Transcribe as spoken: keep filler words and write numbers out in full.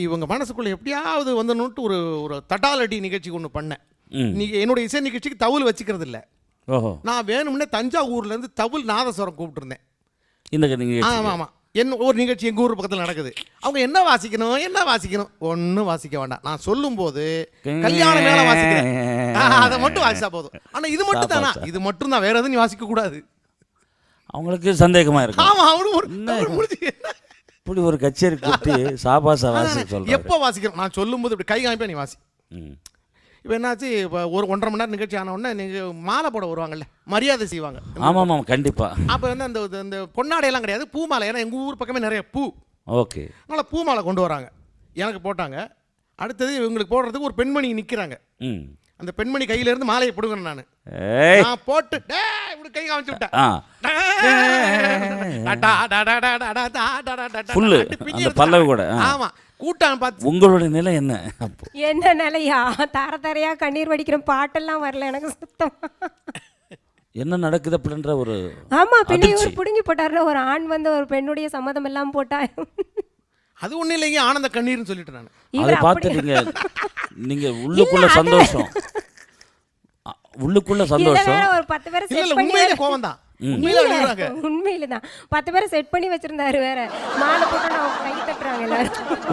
இவங்க மனசுக்குள்ள எப்படியாவது வந்துன்னுட்டு ஒரு ஒரு தட்டாலடி நிகழ்ச்சி ஒன்று பண்ணேன். நீ என்னோட இசை நிகழ்ச்சிக்கு தவுல் வச்சுக்கிறது இல்லை. நான் வேணும்னே தஞ்சாவூர்லேருந்து தவுல் நாதஸ்வரம் கூப்பிட்டுருந்தேன். இந்த ஆமாம் ஆமாம் என்ன ஒரு நிகழ்ச்சி எங்கள் ஊர் பக்கத்தில் நடக்குது. அவங்க என்ன வாசிக்கணும் என்ன வாசிக்கணும் ஒன்றும் வாசிக்க வேண்டாம். நான் சொல்லும்போது கல்யாண மேலே வாசிக்கிறேன், அதை மட்டும் வாசிச்சா போதும். ஆனால் இது மட்டும் தானா, இது மட்டும் தான், வேற எதுவும் நீ வாசிக்க கூடாது. அவங்களுக்கு சந்தேகமாக இருக்கு. ஆமாம் அவனு முடிஞ்சு இப்படி ஒரு கச்சேரி கூட்டி சாபாசா வாசி சொல்கிறேன். எப்போ வாசிக்கிறோம் நான் சொல்லும்போது இப்படி கை காமிப்பா நீ வாசி. இப்போ என்னாச்சு, இப்போ ஒரு ஒன்றரை மணி நேரம் நிகழ்ச்சி ஆன உடனே நீங்கள் மாலை போட வருவாங்கல்ல, மரியாதை செய்வாங்க. ஆமாம் ஆமாம் கண்டிப்பாக. அப்போ வந்து அந்த இந்த பொன்னாடையெல்லாம் கிடையாது, பூ மாலை. ஏன்னா எங்கள் ஊர் பக்கமே நிறைய பூ. ஓகே. அதனால் பூ மாலை கொண்டு வராங்க, எனக்கு போட்டாங்க. அடுத்தது இவங்களுக்கு போடுறதுக்கு ஒரு பெண்மணி நிற்கிறாங்க. அந்த பெண்மணி கையிலேருந்து மாலையை பிடுங்கணும். நான் நான் போட்டு இப்படி கை காமிச்சு விட்டேன். ஆமாம் கூட்டம் பார்த்து உங்களோட நிலை என்ன? என்ன நிலையா? தர தரையா கண்ணீர் வடிக்கிற பாட்டெல்லாம் வரல எனக்கு சுத்தம். என்ன நடக்குது அப்படின்ற ஒரு ஆமா பின்ன ஒரு புடுங்கி போட்டாருல, ஒரு ஆண் வந்து ஒரு பெண்ணுடைய சம்மதம் எல்லாம் போட்டா அது ஒன்றும் இல்லைங்க, ஆனந்த கண்ணீர்னு சொல்லிட்டு நான் அதை பார்த்து நீங்க நீங்க உள்ளுக்குள்ள சந்தோஷம், உள்ளுக்குள்ள சந்தோஷம். ஒரு பத்து பேரை செட் பண்ணி கோவம் தான் உண்மையில தான் பத்து பேரை செட் பண்ணி வச்சிருந்தாரு. வேற மாலை போட்டு நான் கை தட்டுறாங்க எல்லாரும்.